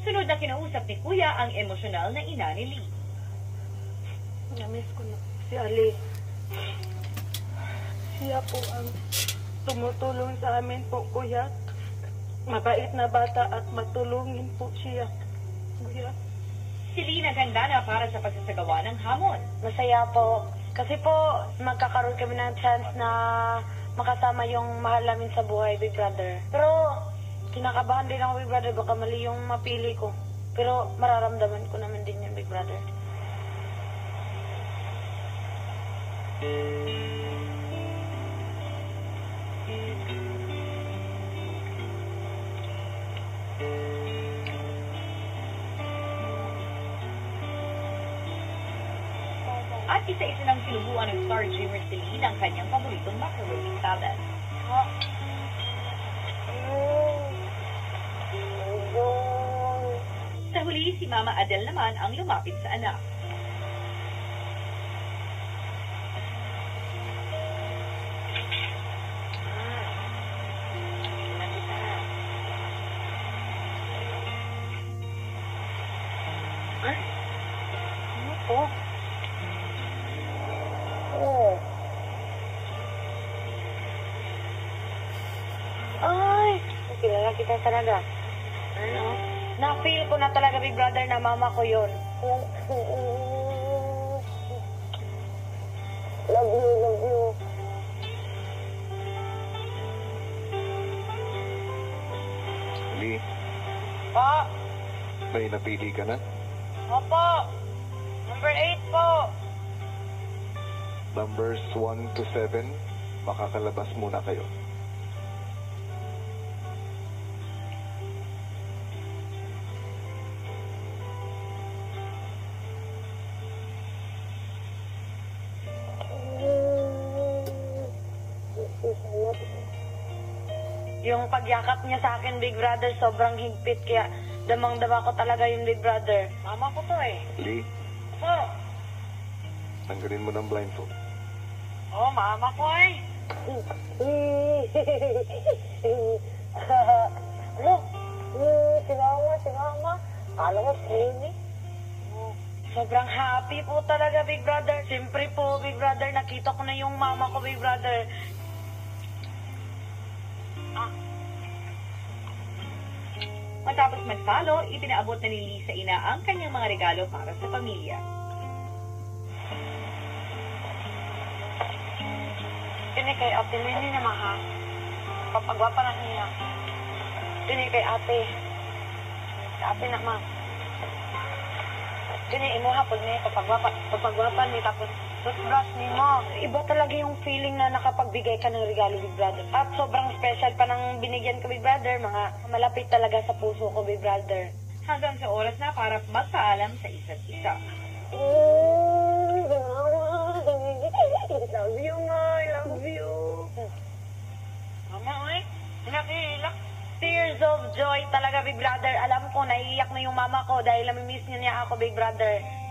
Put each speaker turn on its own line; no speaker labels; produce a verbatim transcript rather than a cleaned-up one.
Sunod na kinausap ni Kuya ang emosyonal na ina ni Lee.
Namiss ko na si Ali. Siya po ang tumutulong sa amin po, Kuya. Mabait na bata at matulungin po siya, Kuya.
Si Lee naghanda na para sa pagsasagawa ng hamon.
Masaya po. Kasi po, magkakaroon kami ng chance na makasama yung mahal namin sa buhay, Big Brother. Pero, kinakabahan din ako, Big Brother. Baka mali yung mapili ko. Pero, mararamdaman ko naman din yun, Big Brother.
At isa-isa ng sinubuan ng Star Dreamer si Lee ng kanyang paboritong macaroni salad. Sa huli, si Mama Adele naman ang lumapit sa anak.
Ay, ano po? Oh. Ay, kilala kita talaga. Ano? Na-feel ko na talaga, Big Brother, na mama ko yun. Love you, love you.
Lee,
Pa,
may napili ka na?
opo. Number eight po.
Numbers one to seven, makakalabas muna kayo.
Yung pagyakap niya sa akin, Big Brother, sobrang higpit. Kaya damang-dama ko talaga yung Big Brother. Mama ko to eh.
Lee,
Po.
tanggalin mo ng blindfold.
Oh, mama ko eh. Look, si mama, si mama. Kala mo, skinny. Sobrang happy po talaga, Big Brother. Siyempre po, Big Brother, nakita ko na yung mama ko, Big Brother.
Ah. Matapos magtalo, ipinaabot na ni Lee sa ina ang kanyang mga regalo para sa pamilya.
Kini kay ate Lenny naman ha. Papagwapa na niya. Kini kay ate. Kay ate na ma. Kini imo hapon ni papagwapa. Papagwapa ni tapos toothbrush ni mo. Iba talaga yung feeling na nakapagbigay ka ng regalo, Big Brother. At sobrang special pa ng binigyan ko, Big Brother. Mga malapit talaga sa puso ko, Big Brother.
Hanggang sa oras na para magpaalam sa isa't isa.
Love you, ma. I love you. Mama, oy. Nakihilak. Tears of joy talaga, Big Brother. Alam ko, naiiyak na yung mama ko dahil namimiss niya niya ako, Big Brother.